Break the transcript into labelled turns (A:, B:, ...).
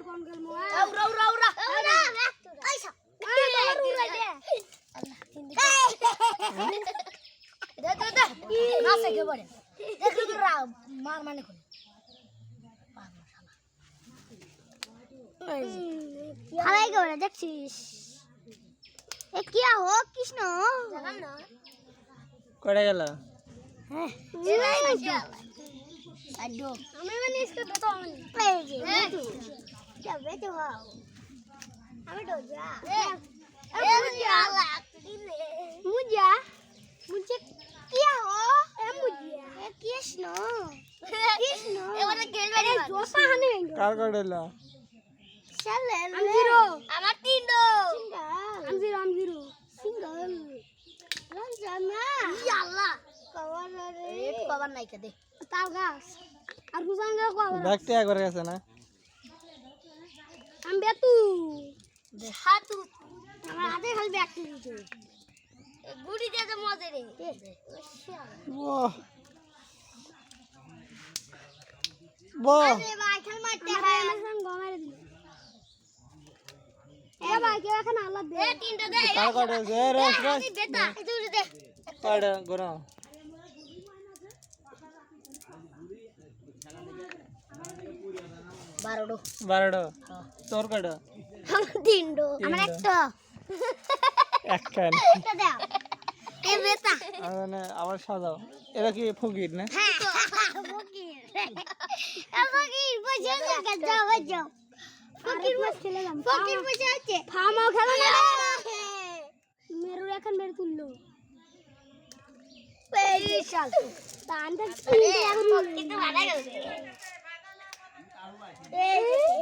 A: কোন গেল মোয়া
B: উড়া উড়া উড়া উড়া আইসা উড়া দে আল্লাহ তিন দিকে দে দে দে না সকে বড়ে দেখ উড়া মার মানে কোন হালাই গেল দেখছিস এ কি হো কৃষ্ণ জানাম না
C: কড়ে গেল
B: হ্যাঁ আড্ডো আমি মানে इसको तो আমি এই যে যাবে তো হাও আমি তো যা ए मुझे मुझे मुझे क्या हो ए मुझे ए कृष्ण कृष्ण ए वाला खेल बारी जोसा हने
C: কার কড়েল
B: चल हम जीरो আমার তিনটো সিঙ্গেল हम जीरो সিঙ্গেল রঞ্জনা আল্লাহ কভার রে কভার নাই কে দে তাল গাছ আর গুজাঙ্গা কভার
C: ব্যাগটা একবার গেছে না
B: हम बेतू হাতু আমার হাতে খালি ব্যাগ দিতে গুড়ি দিয়ে মজা রে
C: বাহ বাহ
B: আরে ভাই খেল মারতে হয় আমি গমারে দিই এ ভাই কে এখন আল্লাহ দে এ তিনটা দে
C: কার কড়েছে রেস রেস
B: বেটা তুই দে
C: কড়ে গরম
B: বারোডো
C: বারোডো তোর কড়ে
B: আমার তিনটো আমার একটা
C: একখান
B: একটা দাও এ বেটা
C: মানে আবার সাজাও এটা কি ফকির না
B: ফকির ফকির বসে না যাও যাও ফকির বসে খেলে যাম ফকির বসে আছে ফামাও খেলো না মেরু এখন মেরে তুললো এই শাল তান দেখ কিন্তু ভালো গেল এই